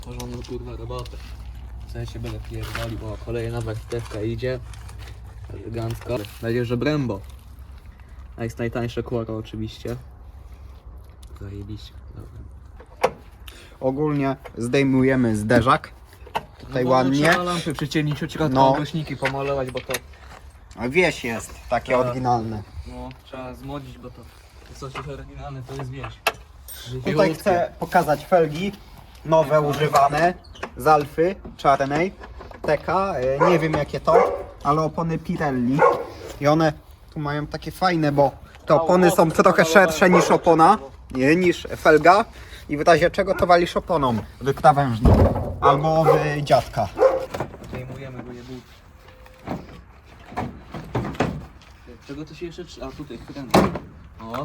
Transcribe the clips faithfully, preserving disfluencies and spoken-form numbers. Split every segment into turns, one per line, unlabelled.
Porządną kurwa robotę. W sensie będę pierdolił, bo kolejna warstewka idzie. Elegancko. Będzie, że Brembo. A jest najtańsze kłoro oczywiście. Zajebiście. Dobra.
Ogólnie zdejmujemy zderzak. Tutaj
No,
ładnie.
Trzeba lampy przyciemnić od środka,
No.
głośniki pomalować, bo to...
A wieś jest takie
Tak.
oryginalne.
No, trzeba zmodzić, bo to... Coś jest oryginalne, to jest wieś.
Tutaj chcę pokazać felgi nowe, używane z Alfy czarnej T K, e, nie wiem jakie to, ale opony Pirelli i one tu mają takie fajne, bo te opony są trochę szersze niż opona, nie, niż felga i w razie czego to walisz oponą w krawężnik albo w dziadka.
Zdejmujemy go, nie był. Czego to się jeszcze... trzy- A tutaj, kręcę. O.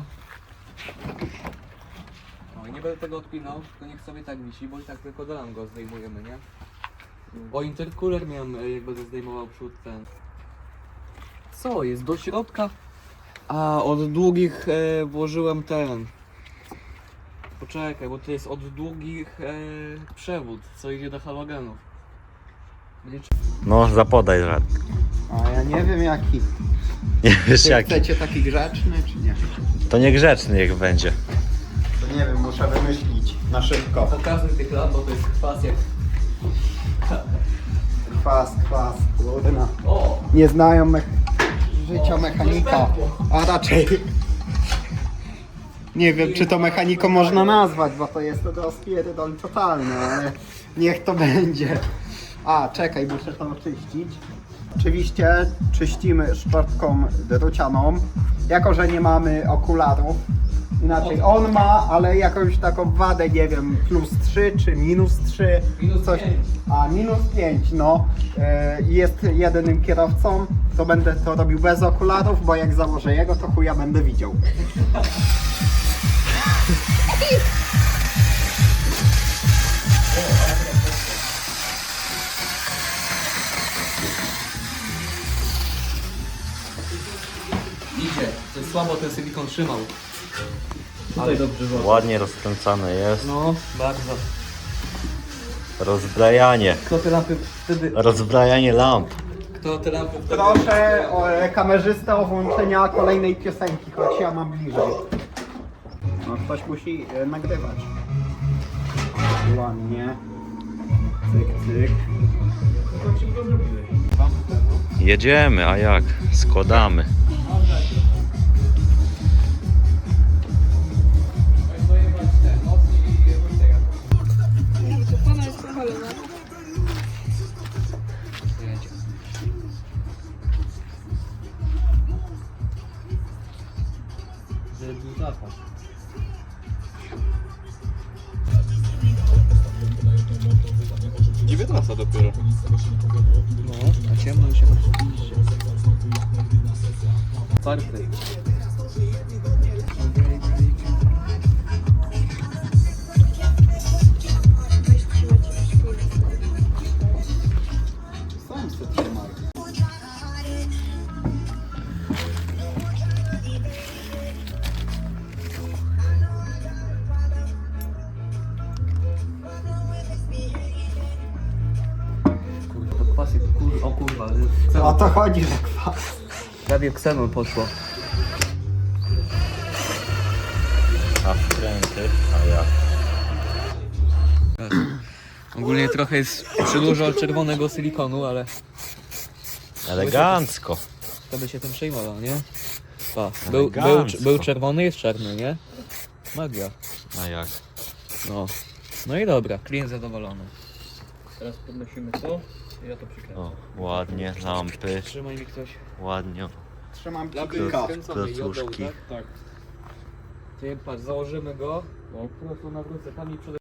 No i nie będę tego odpinał, tylko niech sobie tak wisi, bo i tak tylko dolam go zdejmujemy, nie? Bo intercooler miałem, e, jak będę zdejmował przód ten. Co jest? Do środka? A, od długich e, włożyłem ten. Poczekaj, bo to jest od długich e, przewód, co idzie do halogenów. Będzie...
No, zapodaj rad.
A ja nie wiem jaki.
Nie wiesz
Czy
jaki.
chcecie taki grzeczny czy nie?
To niegrzeczny niech będzie.
To nie wiem, muszę wymyślić na szybko.
Pokazuj tych lamp, bo to jest kwas jak...
Kwas, kwas, kurna.
O!
Nie znają me życia mechanika, a raczej nie wiem czy to mechaniką można nazwać, bo to jest to rozpierdol totalny, ale niech to będzie. A, czekaj, muszę to oczyścić. Oczywiście czyścimy szczotką drucianą, jako że nie mamy okularów. Inaczej, on ma, ale jakąś taką wadę, nie wiem, plus trzy czy minus trzy.
Minus
coś.
pięć.
A, minus pięć, no. E, jest jedynym kierowcą, to będę to robił bez okularów, bo jak założę jego, to chuja będę widział.
Idzie, to jest słabo, ten silikon trzymał. Ale dobrze było.
Ładnie rozkręcane jest.
No, bardzo.
Rozbrajanie.
Kto te lampy wtedy...
Rozbrajanie lamp.
Kto te lampy wtedy...
Proszę o, e, kamerzystę o włączenia kolejnej piosenki, choć ja mam bliżej. No ktoś musi e, nagrywać. Ładnie. Cyk, cyk.
Jedziemy, a jak? Składamy.
Pana jest powalona.
Jedzie. Żeby był zapach.
dziewiętnasta dopiero.
No, a ciemno już się oczywiście. Czwarty.
Sam se trzymaj.
Kurwa, to kwas jest, kur... o kurwa,
O
ksenon.
to chodzi, że kwas.
Prawie ksenon poszło.
A wkręty, a jak?
Ogólnie trochę jest przydużo czerwonego silikonu, ale
Elegancko.
to by się tym przejmował, nie? Pa, był, był,
Elegancko.
był czerwony, jest czarny, nie? Magia.
A jak?
No. No i dobra, klient zadowolony. Teraz podnosimy to i ja to przykręcę.
O, ładnie, lampy,
Trzymaj mi ktoś.
ładnie.
Trzymam
Lampy
kilka.
skręcone i od dołu,
klocuszki.
tak? Tak. Ty patrz, założymy go. Po prostu nawrócę tam i przede